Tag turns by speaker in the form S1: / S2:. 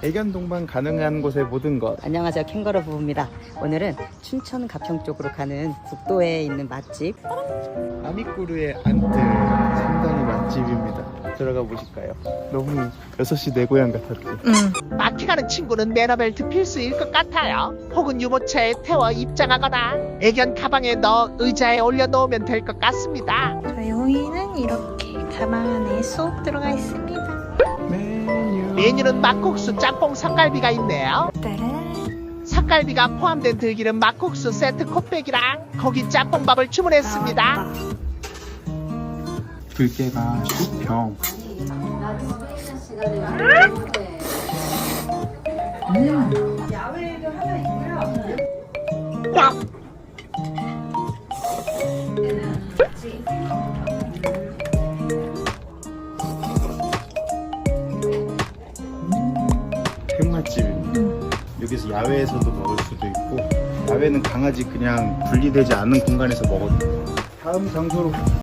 S1: 애견 동반 가능한 곳의 모든 것.
S2: 안녕하세요, 캥거루 부부입니다. 오늘은 춘천 가평 쪽으로 가는 국도에 있는 맛집
S1: 아미꾸르의 안뜰, 상당히 맛집입니다. 들어가 보실까요? 너무 6시 내 고향 같았지?
S3: 마트 가는 친구는 매너벨트 필수일 것 같아요. 혹은 유모차에 태워 입장하거나 애견 가방에 넣어 의자에 올려놓으면 될 것 같습니다.
S4: 저희 호이는 이렇게 가방 안에 쏙 들어가 있습니다.
S3: 메뉴는 막국수, 짬뽕, 삭갈비가 있네요.
S4: 따란.
S3: 삭갈비가 포함된 들기름 막국수 세트 콧백이랑 거기 짬뽕밥을 주문했습니다.
S1: 들깨가 10평. 흑맛집입니다. 여기서 야외에서도 먹을 수도 있고, 야외는 강아지 그냥 분리되지 않은 공간에서 먹어도 돼요. 다음 장소로